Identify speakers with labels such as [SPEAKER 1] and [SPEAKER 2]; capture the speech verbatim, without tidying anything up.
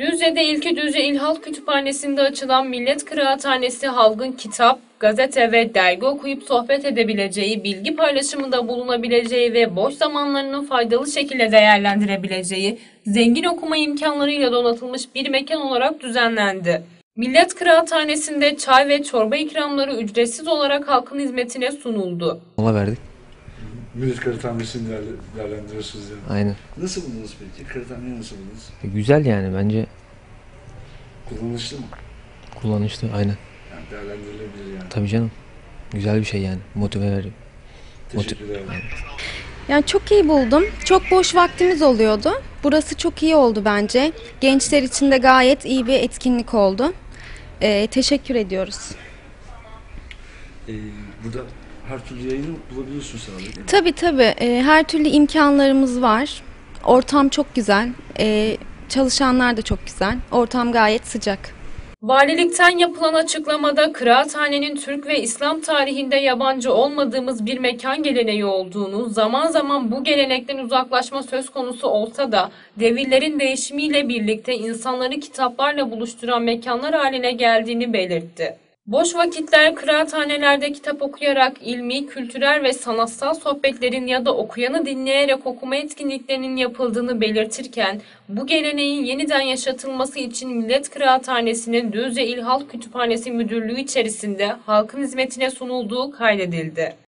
[SPEAKER 1] Düzce'de İlki Düzce İl Halk Kütüphanesi'nde açılan Millet Kıraathanesi halkın kitap, gazete ve dergi okuyup sohbet edebileceği, bilgi paylaşımında bulunabileceği ve boş zamanlarını faydalı şekilde değerlendirebileceği, zengin okuma imkanlarıyla donatılmış bir mekan olarak düzenlendi. Millet Kıraathanesi'nde çay ve çorba ikramları ücretsiz olarak halkın hizmetine sunuldu.
[SPEAKER 2] Mola verdik.
[SPEAKER 3] Millet Kıraathanesi'ni değerlendiriyorsunuz yani.
[SPEAKER 2] Aynen.
[SPEAKER 3] Nasıl buldunuz peki? Kıraathaneyi nasıl buldunuz?
[SPEAKER 2] E, güzel yani bence
[SPEAKER 3] Kullanışlı mı?
[SPEAKER 2] kullanışlı. Aynen.
[SPEAKER 3] Yani değerlendirilebilir yani.
[SPEAKER 2] Tabii canım. Güzel bir şey yani. Motive veriyor.
[SPEAKER 3] Teşekkürler.
[SPEAKER 4] Yani çok iyi buldum. Çok boş vaktimiz oluyordu. Burası çok iyi oldu bence. Gençler için de gayet iyi bir etkinlik oldu. Ee, teşekkür ediyoruz.
[SPEAKER 3] Ee, burada her türlü yayını bulabiliyorsunuz herhalde.
[SPEAKER 4] Tabii tabii. Ee, her türlü imkanlarımız var. Ortam çok güzel. Ee, çalışanlar da çok güzel. Ortam gayet sıcak.
[SPEAKER 1] Valilikten yapılan açıklamada kıraathanenin Türk ve İslam tarihinde yabancı olmadığımız bir mekan geleneği olduğunu, zaman zaman bu gelenekten uzaklaşma söz konusu olsa da devirlerin değişimiyle birlikte insanları kitaplarla buluşturan mekanlar haline geldiğini belirtti. Boş vakitler kıraathanelerde kitap okuyarak ilmi, kültürel ve sanatsal sohbetlerin ya da okuyanı dinleyerek okuma etkinliklerinin yapıldığını belirtirken, bu geleneğin yeniden yaşatılması için Millet Kıraathanesi'nin Düzce İl Halk Kütüphanesi Müdürlüğü içerisinde halkın hizmetine sunulduğu kaydedildi.